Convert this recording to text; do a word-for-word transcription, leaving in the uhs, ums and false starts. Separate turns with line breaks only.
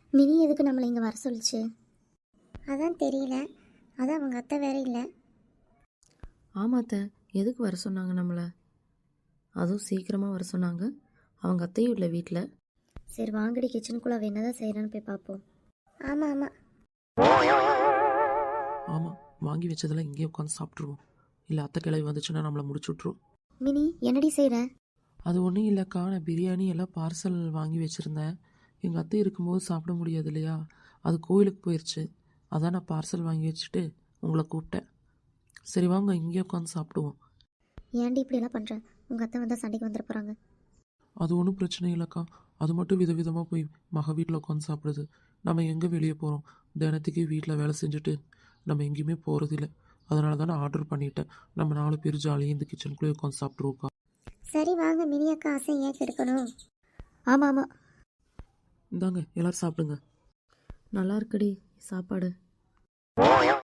Mini எதுக்கு நம்மளை இங்கே வர சொல்லிச்சு? அதான் தெரியல. அதான் அவங்க அத்தை வேற இல்லை.
ஆமாத்த, எதுக்கு வர சொன்னாங்க நம்மளை? அதுவும் சீக்கிரமாக வர சொன்னாங்க. அவங்க அத்தையும் இல்லை வீட்டில்.
சரி வாங்கடி, கிச்சனுக்குள்ளே அவள் என்னதான் செய்கிறான்னு போய் பார்ப்போம். ஆமாம் ஆமாம்
ஆமாம், வாங்கி வச்சதெல்லாம் இங்கேயே உட்காந்து சாப்பிட்ருவோம். இல்லை அத்தை கிளவி வந்துச்சுன்னா நம்மளை முடிச்சு விட்ருவோம்.
மினி என்னடி செய்கிற?
அது ஒன்றும் இல்லைக்கா, நான் பிரியாணி எல்லாம் பார்சல் வாங்கி வச்சுருந்தேன். எங்கள் அத்தை இருக்கும்போது சாப்பிட முடியாது இல்லையா, அது கோயிலுக்கு போயிடுச்சு. அதான் நான் பார்சல் வாங்கி வச்சுட்டு உங்களை கூப்பிட்டேன். சரி வாங்க இங்கேயே உட்காந்து சாப்பிடுவோம்.
ஏன்டி இப்படியெல்லாம் பண்ணுறேன்? உங்கள் அத்தை வந்தால் சண்டைக்கு வந்துட போகிறாங்க.
அது ஒன்றும் பிரச்சனை இல்லைக்கா, அது மட்டும் விதவிதமாக போய் மக வீட்டில் உட்காந்து சாப்பிடுது. நம்ம எங்கே வெளியே போகிறோம்? தினத்துக்கு வீட்டில் வேலை செஞ்சுட்டு நம்ம எங்கேயுமே போகிறதில்ல. அதனால தான் நான் ஆர்டர் பண்ணிட்டேன். நம்ம நாலு பேர் ஜாலியாக இந்த கிச்சனுக்குள்ளே உட்காந்து சாப்பிட்ருவோக்கா.
சரி வாங்க, மினி அக்கா ஆசை ஏன் கெடுக்கணும்? ஆமாம் ஆமாம்,
இந்தாங்க எல்லோரும் சாப்பிடுங்க.
நல்லா இருக்குடி சாப்பாடு.